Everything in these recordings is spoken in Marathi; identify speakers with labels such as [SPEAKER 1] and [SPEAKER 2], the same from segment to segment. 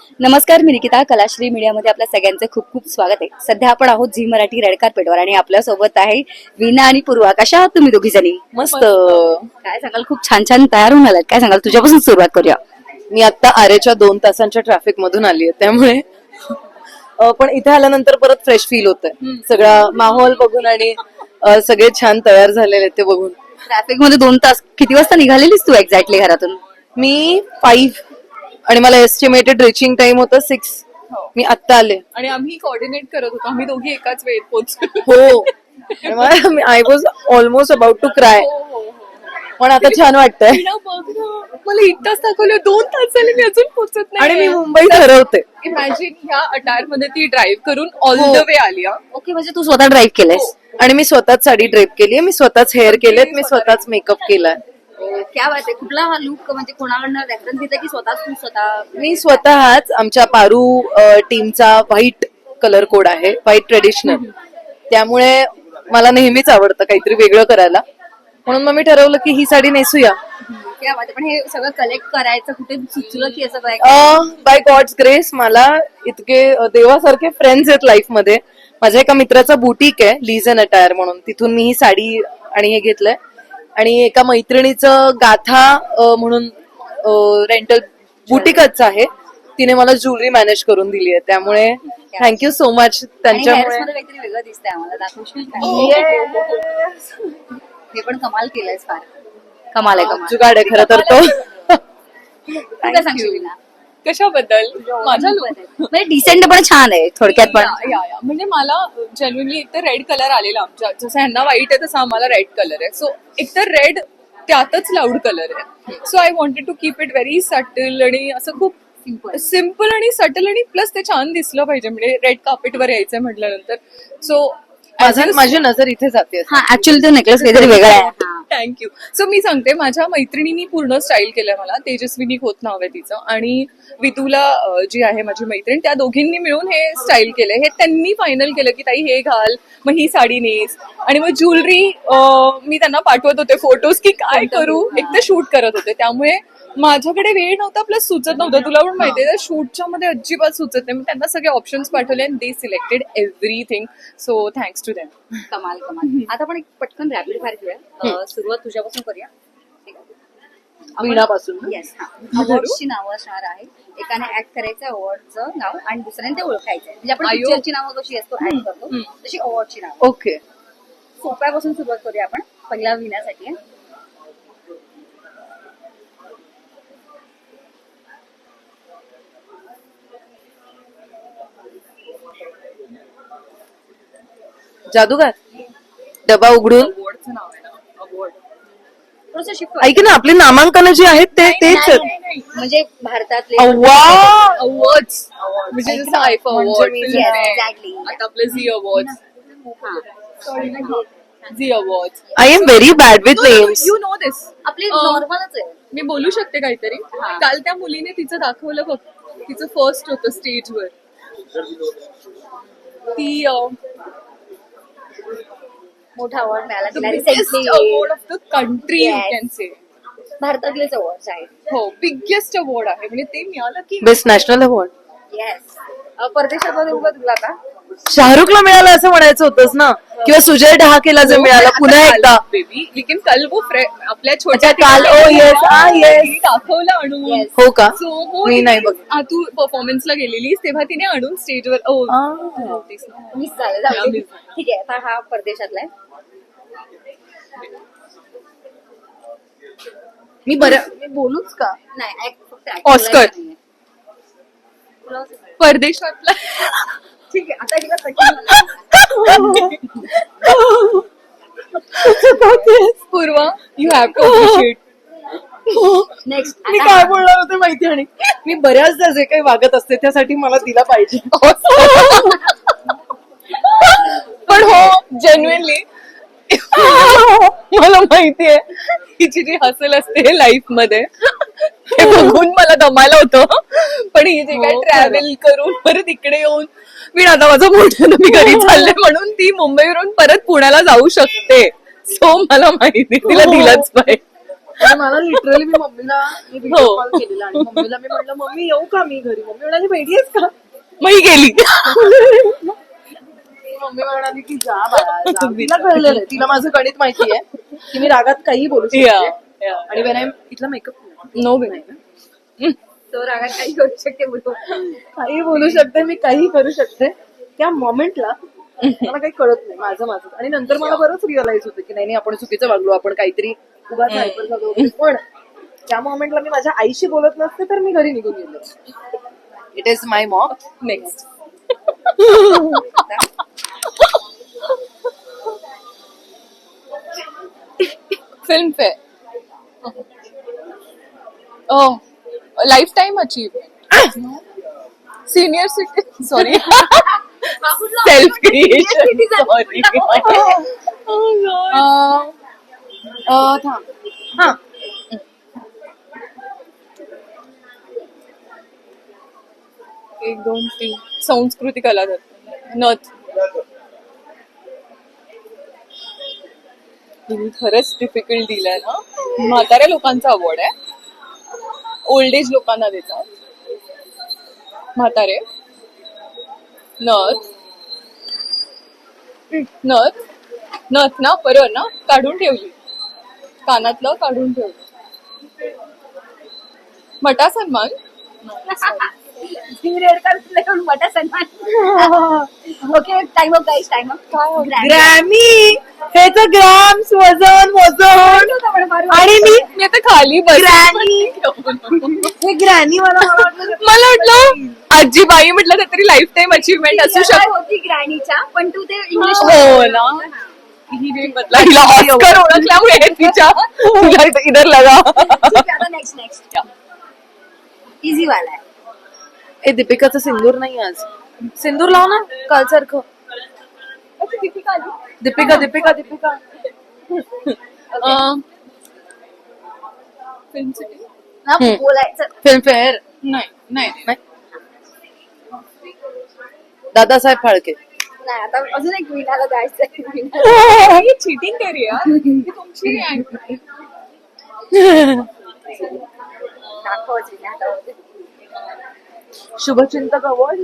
[SPEAKER 1] नमस्कार, मी निकिता. कलाश्री मीडियामध्ये आपल्या सगळ्यांचं खूप खूप स्वागत आहे. सध्या आपण आहोत झी मराठी रेड कार्पेटवर आणि आपल्या सोबत आहे वीणा आणि पूर्वा. कशा आहात तुम्ही दोघी जणी?
[SPEAKER 2] मस्त.
[SPEAKER 1] काय सांगाल? खूप छान छान तयार होऊन आलात. काय सांगाल? तुझ्यापासून सुरुवात करूया.
[SPEAKER 2] मी आता आरेच्या 2 तासांच्या ट्रॅफिक मधून आली आहे, त्यामुळे पण इथे आल्यानंतर परत फ्रेश फील होतंय. सगळा माहोल बघून आणि सगळे छान तयार झालेले आहेत ते बघून.
[SPEAKER 1] ट्रॅफिक मध्ये 2 तास. किती वाजता निघालेलीस तू एक्झॅक्टली घरातून?
[SPEAKER 2] मी 5 आणि मला एस्टिमेटेड रिचिंग टाइम होतं 6. मी आत्ता आले.
[SPEAKER 3] आणि आम्ही कोऑर्डिनेट करत होतो. आम्ही दोघी एकाच वेळेत पोहोचलो.
[SPEAKER 2] हो, I was almost about to cry. पण आता छान वाटतंय
[SPEAKER 3] बघ ना, मला 1 तास दाखवलं, 2 तास झाले मी अजून पोहोचत नाही.
[SPEAKER 2] आणि मी मुंबई ठरवते.
[SPEAKER 3] इमॅजिन ह्या अटायर मध्ये ती ड्राईव्ह करून ऑल द वे आली.
[SPEAKER 1] ओके, म्हणजे तू स्वतः ड्राईव्ह केलंयस?
[SPEAKER 2] आणि मी स्वतःच साडी ड्रेप केली, मी स्वतःच हेअर केलेत, मी स्वतःच मेकअप केलाय.
[SPEAKER 1] क्या बात आहे. कुठला हा लुक म्हणजे कोणाकडनं रेफरन्स दिला की स्वतः तू स्वतः?
[SPEAKER 2] मी स्वतःच आमच्या पारू टीमचा व्हाईट कलर कोड आहे, व्हाईट ट्रेडिशनल. त्यामुळे मला नेहमीच आवडतं काहीतरी वेगळं करायला, म्हणून मग मी ठरवलं की ही साडी नेसूया.
[SPEAKER 1] क्या बात आहे. पण हे सगळं कलेक्ट करायचं कुठे सुचलं की असं काय?
[SPEAKER 2] बाय गॉड्स ग्रेस मला इतके देवासारखे फ्रेंड्स आहेत लाईफ मध्ये. माझ्या एका मित्राचा बुटीक आहे, लीज अँड अटायर म्हणून, तिथून मी ही साडी आणि हे घेतलंय. आणि एका मैत्रिणीचं गाथा म्हणून रेंटल बुटीकच आहे, तिने मला ज्वेलरी मॅनेज करून दिली आहे. त्यामुळे थँक्यू सो मच त्यांच्यामुळे.
[SPEAKER 1] काहीतरी वेगळं दिसतंय आम्हाला, दाखवशील का? हे पण कमाल केलंयस, फार कमाल आहे. कमाल
[SPEAKER 2] जुगाड आहे खरं तर तो.
[SPEAKER 1] तू काय सांगशील वीणा?
[SPEAKER 3] कशाबद्दल? माझ्या
[SPEAKER 1] म्हणजे डिसेंट पण छान आहे थोडक्यात. पण
[SPEAKER 3] म्हणजे मला जेन्युइनली एक तर रेड कलर आलेला आमच्या, जसं ह्यांना व्हाईट आहे तसं आम्हाला रेड कलर आहे. सो एक तर रेड त्यातच लाऊड कलर आहे. So I wanted to keep it very subtle आणि असं खूप सिम्पल आणि सटल, आणि प्लस ते छान दिसलं पाहिजे. म्हणजे रेड कार्पेटवर यायचंय म्हटल्यानंतर. सो
[SPEAKER 2] माझी नजर इथे जाते.
[SPEAKER 1] हा, ऍक्च्युअली तो नेकलेस काहीतरी वेगळा आहे.
[SPEAKER 3] थँक्यू. सो मी सांगते, माझ्या मैत्रिणींनी पूर्ण स्टाईल केलंय मला. तेजस्विनी खोत नाव आहे तिचं, आणि वितुला जी आहे माझी मैत्रीण, त्या दोघींनी मिळून हे स्टाईल केलंय. हे त्यांनी फायनल केलं की ताई हे घाल, मग ही साडी नेस. आणि मग ज्वेलरी मी त्यांना पाठवत होते फोटोज की काय करू. एक तर शूट करत होते, त्यामुळे माझ्याकडे वेळ नव्हता, प्लस सुचत नव्हतं. तुला पण माहितीये, शूटच्या मध्ये अजिबात सुचत नाही. मी त्यांना सगळे ऑप्शन्स पाठवले आणि they selected everything. So thanks to them.
[SPEAKER 1] कमाल कमाल. आता आपण एक पटकन रॅपिड फायर घेऊया. सुरुवात तुझ्यापासून करूया.
[SPEAKER 2] वीणापासून.
[SPEAKER 1] येस. अवॉर्डची नावं असणार आहे. एकाने ऍड करायचं अवॉर्डचं नाव आणि दुसऱ्याने ते ओळखायचं. म्हणजे आपण पिक्चरची नावं कशी असतो ऍड करतो, तशी अवॉर्डची नावं.
[SPEAKER 2] ओके.
[SPEAKER 1] सोप्यापासून सुरुवात करूया आपण. पहिला विण्यासाठी आहे.
[SPEAKER 2] जादूगार. डबा उघडून.
[SPEAKER 3] अवॉर्डचं नाव आहे ना, अवॉर्ड.
[SPEAKER 1] थोडंसं शिफ्ट
[SPEAKER 2] ऐक ना, आपली नामांकन जी आहेत तेच आहेत.
[SPEAKER 1] म्हणजे भारतातले
[SPEAKER 3] अवॉर्ड्स म्हणजे जसं आयफा अवॉर्ड,
[SPEAKER 1] एक्झॅक्टली.
[SPEAKER 3] आता आपले Zee award, Zee award.
[SPEAKER 2] I am very bad with names.
[SPEAKER 3] You know this.
[SPEAKER 1] आपली नॉर्मलच आहे.
[SPEAKER 3] मी बोलू शकते काहीतरी. काल त्या मुलीने तिचं दाखवलं बघ, तिचं फर्स्ट होतं स्टेजवर. ती
[SPEAKER 1] मोठा अवॉर्ड मिळाला तिला
[SPEAKER 3] biggest
[SPEAKER 1] recently.
[SPEAKER 3] Award of the country, you can say.
[SPEAKER 1] भारतातलेच अवॉर्ड आहेत.
[SPEAKER 3] हो, बिगेस्ट अवॉर्ड आहे. म्हणजे ते मिळालं की
[SPEAKER 2] बेस्ट नॅशनल अवॉर्ड
[SPEAKER 1] येस. परदेशात उभं तुला आता
[SPEAKER 2] शाहरुखला मिळालं असं म्हणायचं होतंच ना, किंवा सुजय डहाकेला जे मिळालं पुन्हा एकदा.
[SPEAKER 3] बेबी लेकिन कल वो आपल्या छोट्या
[SPEAKER 2] काल. Oh yes, yes.
[SPEAKER 3] दाखवलं आणून.
[SPEAKER 1] Yes.
[SPEAKER 2] हो का?
[SPEAKER 3] सो
[SPEAKER 2] मी नाही बघ.
[SPEAKER 3] तू परफॉर्मन्सला गेलेलीस तेव्हा तिने आणून स्टेजवर
[SPEAKER 1] मिस झालं. जाऊ दे. ठीक आहे. आता हा परदेशातला आहे.
[SPEAKER 2] मी बोलूच का?
[SPEAKER 1] नाही, फक्त
[SPEAKER 3] ऑस्कर.
[SPEAKER 1] नाहीये.
[SPEAKER 3] परदेशातला.
[SPEAKER 1] ठीक आहे. आता हिला कठीण
[SPEAKER 3] Purva, you have to appreciate.
[SPEAKER 1] Next.
[SPEAKER 2] मी काय बोलणार होते माहिती, आणि मी बऱ्याचदा जे काही वागत असते त्यासाठी मला दिला पाहिजे.
[SPEAKER 3] पण हो, जेन्युइनली मला माहितीये हिची जी हसल असते लाईफ मध्ये ते बघून मला दमायला होतं. पण ही जे काय ट्रॅव्हल करून परत इकडे येऊन, मी आता माझं मोठं मी घरी चालले म्हणून ती मुंबईवरून परत पुण्याला जाऊ शकते. सो मला माहिती तिला दिलंच पाहिजे.
[SPEAKER 2] आणि मला लिटरली मी मम्मीला व्हिडिओ कॉल केलेला आणि मम्मीला मी म्हटलं मम्मी येऊ का मी घरी. मम्मी म्हणाली वेडी आहेस का.
[SPEAKER 3] मग ही गेली.
[SPEAKER 2] मम्मी म्हणाली की जा बाळा जा. तिला कळलेलं आहे, तिला माझं गणित माहिती आहे की मी रागात काही बोलू शकते. आणि वेन इथला मेकअप
[SPEAKER 3] नो
[SPEAKER 2] नाही ना,
[SPEAKER 1] तो रागात काही करू शकते बोलतो.
[SPEAKER 2] काही बोलू शकते मी, काही करू शकते. त्या मोमेंटला मला काही कळत नाही माझं माझं. आणि नंतर मला बरंच रिअलाइज होतं की नाही आपण चुकीचं वागलो, आपण काहीतरी उगाच हायपर झालो. पण त्या मोमेंटला मी माझ्या आईशी बोलत नसते तर मी घरी निघून गेले. It is my mom.
[SPEAKER 3] Next. Filmfare. Lifetime achievement. Senior citizen. Sorry. Self creation. Sorry.
[SPEAKER 2] थांब. हा
[SPEAKER 3] 1 2 3 संस्कृती कला दत्त. नथ. तिने खरंच डिफिकल्ट दिलाय ना. म्हाताऱ्या लोकांचा अवॉर्ड आहे, ओल्ड एज लोकांना देतात. म्हातारे. नथ. नथ. नथ ना बरोबर ना. काढून ठेवली, कानातलं काढून ठेवलं. मटा सन्मान.
[SPEAKER 1] रेड कार्पेट मोठा सन्मान. Okay time off guys time off.
[SPEAKER 2] Grammy हे तर ग्रॅम्स वजन वजन. आणि
[SPEAKER 3] मी आता खाली
[SPEAKER 2] ग्रॅनी हे ग्रॅनी मला
[SPEAKER 3] वाटलं आजीबाई म्हटलं तर तरी लाईफ टाईम अचीवमेंट असू शकते.
[SPEAKER 1] होती ग्रॅनीच्या, पण तू ते इंग्लिश.
[SPEAKER 3] हो ना. हिला ऑस्कर ओळखल्यामुळे तिच्या इधर लगा.
[SPEAKER 1] नेक्स्ट नेक्स्ट इझी वाला आहे.
[SPEAKER 2] ए दीपिकाचं सिंदूर नाही आज. सिंदूर लाव ना काल सारखं. दीपिका दीपिका दीपिका.
[SPEAKER 1] बोलायचं
[SPEAKER 2] फिल्म फेअर
[SPEAKER 3] नाही नाही.
[SPEAKER 2] दादासाहेब फाळके.
[SPEAKER 1] नाही. आता अजून एक विनाला जायचं.
[SPEAKER 3] चिटिंग करी यार. तुमची
[SPEAKER 1] दाखवायची.
[SPEAKER 2] शुभचिंतक अवॉर्ड.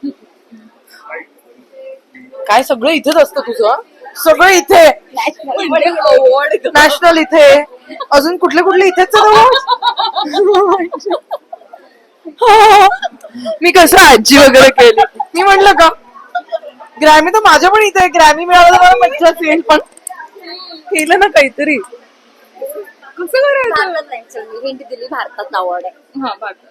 [SPEAKER 2] काय सगळं इथेच असतं तुझं. सगळं इथे.
[SPEAKER 3] अवॉर्ड.
[SPEAKER 2] नॅशनल इथे. अजून कुठले कुठले इथेच मी कसं आजी वगैरे केली. मी म्हटलं का ग्रॅमी तर माझ्या पण इथे. ग्रॅमी मिळालं मला मज्जा येईल, पण केलं ना काहीतरी.
[SPEAKER 3] कसं करायचं.
[SPEAKER 1] भारतात नाही. चल मी हिंट दिली, भारतात अवॉर्ड आहे.
[SPEAKER 3] हा भारतात.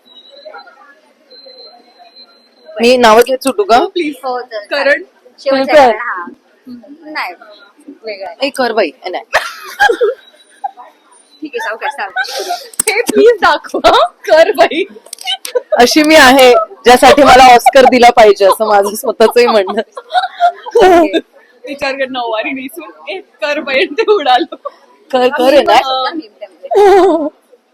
[SPEAKER 2] मी नावं घेत सुटू का.
[SPEAKER 3] प्लीज.
[SPEAKER 1] हो चल.
[SPEAKER 3] करण.
[SPEAKER 1] शेवटचा आहे. हा नाही वेगळं आहे.
[SPEAKER 2] ए कर बाई. नाही
[SPEAKER 1] ठीक आहे सावकाश सावकाश.
[SPEAKER 3] हे प्लीज दाखवा. कर बाई.
[SPEAKER 2] अशी मी आहे ज्यासाठी मला ऑस्कर दिला पाहिजे असं माझं स्वतःचंही म्हणणं.
[SPEAKER 3] विचार कर नऊवारी नेसून एक कर बाई ते उडालो.
[SPEAKER 2] कर कर आहे ना.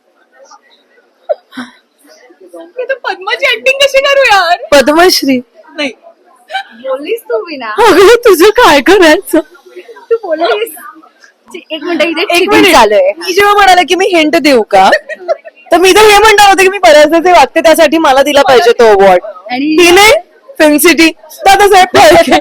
[SPEAKER 3] मी तर पद्माची ऍक्टिंग कशी करू यार.
[SPEAKER 2] पद्मश्री
[SPEAKER 3] नाही.
[SPEAKER 1] बोललीस तू विना.
[SPEAKER 2] अगं तुझं काय करायचं.
[SPEAKER 1] तू बोललीस. एक मिनिट इथे
[SPEAKER 2] एक मिनिट
[SPEAKER 1] चालूय.
[SPEAKER 2] मी जेव्हा म्हणाले की मी हिंट देऊ का, तर मी तर हे म्हणणार होते की मी बऱ्याचदा जे वागते त्यासाठी मला दिला पाहिजे तो अवॉर्ड.
[SPEAKER 1] आणि
[SPEAKER 2] तिने film city Dadasaheb Phalke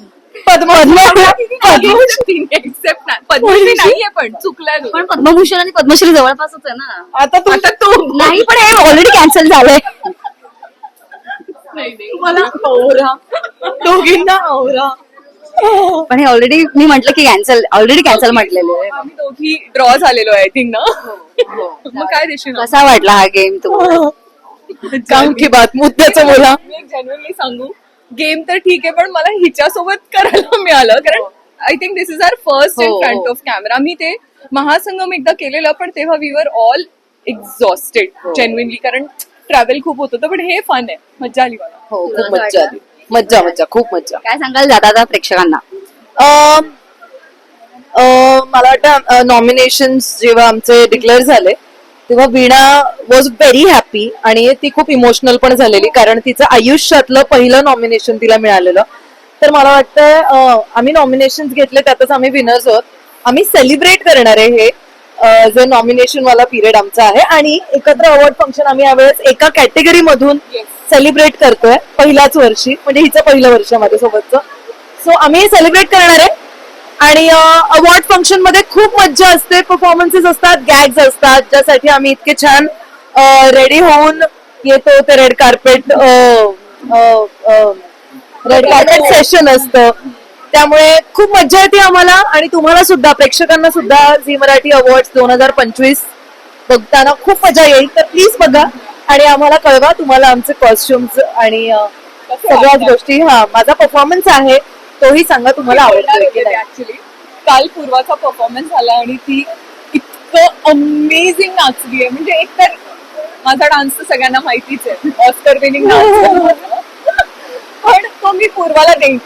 [SPEAKER 3] Padmashri except नाही. पद्मश्री नाहीये पण चुकलाय.
[SPEAKER 1] पण पद्मभूषण आणि पद्मश्री जवळपासच आहे ना.
[SPEAKER 2] आता
[SPEAKER 3] तू
[SPEAKER 1] नाही पण हे ऑलरेडी कॅन्सल झालंय.
[SPEAKER 3] मला औरा.
[SPEAKER 2] दोघींना आवरा.
[SPEAKER 1] पण हे ऑलरेडी मी म्हटलं की ऑलरेडी कॅन्सल म्हटलेलं आहे.
[SPEAKER 3] आम्ही दोघी ड्रॉ झालेलो आहे आय थिंक ना. मग काय देशील.
[SPEAKER 1] कसा वाटला हा गेम तुम्हाला.
[SPEAKER 2] काम की बात मुद्द्याचं बोला.
[SPEAKER 3] मी एक जेन्युइनली सांगू, गेम तर ठीक आहे पण मला हिच्यासोबत करायला मिळालं कारण I think this is our first in front of camera. मी ते महासंगम एकदा केलेलं पण तेव्हा we were all exhausted genuinely कारण ट्रॅव्हल खूप होत होतं. पण हे फन आहे. मज्जा आली मला.
[SPEAKER 2] हो खूप मज्जा आली. मज्जा मज्जा खूप मज्जा.
[SPEAKER 1] काय सांगाल दादा प्रेक्षकांना.
[SPEAKER 2] मला वाटतं नॉमिनेशन जेव्हा आमचे डिक्लेअर झाले तेव्हा वीणा वॉज व्हेरी हॅपी आणि ती खूप इमोशनल पण झालेली कारण तिचं आयुष्यातलं पहिलं नॉमिनेशन तिला मिळालेलं. तर मला वाटतं आम्ही नॉमिनेशन घेतले त्यातच आम्ही विनर्स आहोत. आम्ही सेलिब्रेट करणार आहे हे जे नॉमिनेशन वाला पिरियड आमचा आहे आणि एकत्र अवॉर्ड फंक्शन आम्ही यावेळेस एका कॅटेगरी मधून सेलिब्रेट करतोय पहिल्याच वर्षी, म्हणजे हिचं पहिलं वर्ष माझ्यासोबतचं. सो आम्ही सेलिब्रेट करणार आहे आणि अवॉर्ड फंक्शन मध्ये खूप मज्जा असते, परफॉर्मन्सेस असतात, गॅग्स असतात, ज्यासाठी आम्ही इतके छान रेडी होऊन येतो. ते रेड कार्पेट सेशन असतं, त्यामुळे खूप मज्जा येते आम्हाला आणि तुम्हाला सुद्धा, प्रेक्षकांना सुद्धा झी मराठी अवॉर्ड 2025 बघताना खूप मजा येईल. तर प्लीज बघा आणि आम्हाला कळवा तुम्हाला आमचे कॉस्ट्युम्स आणि सगळ्याच गोष्टी. माझा परफॉर्मन्स आहे तोही सांगा तुम्हाला आवडतोय की नाही.
[SPEAKER 3] ऍक्च्युली काल पूर्वाचा परफॉर्मन्स झाला आणि ती इतकं अमेझिंग नाचली आहे. म्हणजे एकतर माझा डान्स तर सगळ्यांना माहितीच आहे, ऑस्कर विनिंग डान्स, पण तो मी पूर्वाला देईन.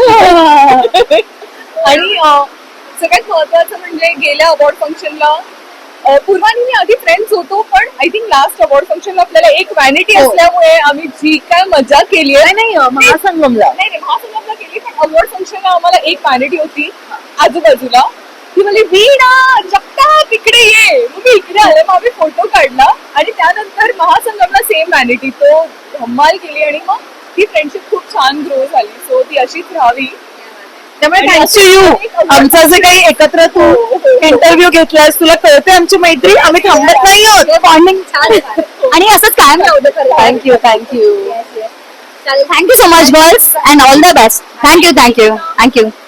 [SPEAKER 3] आणि सगळ्यात महत्वाचं म्हणजे गेल्या अवॉर्ड फंक्शनला पूर्वानी मी आधी फ्रेंड्स होतो, पण आय थिंक लास्ट अवॉर्ड फंक्शनला आपल्याला एक व्हॅनिटी असल्यामुळे आम्ही जी काय मजा केली आहे,
[SPEAKER 2] नाही महासंगमला
[SPEAKER 3] नाही महासंगमला केली, पण अवॉर्ड फंक्शनला आम्हाला एक व्हॅनिटी होती आजूबाजूला. ती म्हणजे वीणा जगताप इकडे ये, मग मी इकडे आले, मग आम्ही फोटो काढला आणि त्यानंतर महासंगमला सेम व्हॅनिटी, तो धम्माल केली आणि मग ती फ्रेंडशिप खूप छान ग्रो झाली. सो ती अशीच राहावी.
[SPEAKER 2] त्यामुळे थँक्स टू यू. आमचं जे काही एकत्र तू इंटरव्ह्यू घेतलास, तुला कळते आमची मैत्री, आम्ही थांबत नाही आहोत.
[SPEAKER 1] बॉन्डिंग छान आहे. आणि असंच कायम राहू दे.
[SPEAKER 2] थँक्यू
[SPEAKER 1] चालेल, thank you so much girls and all the best. Thank you.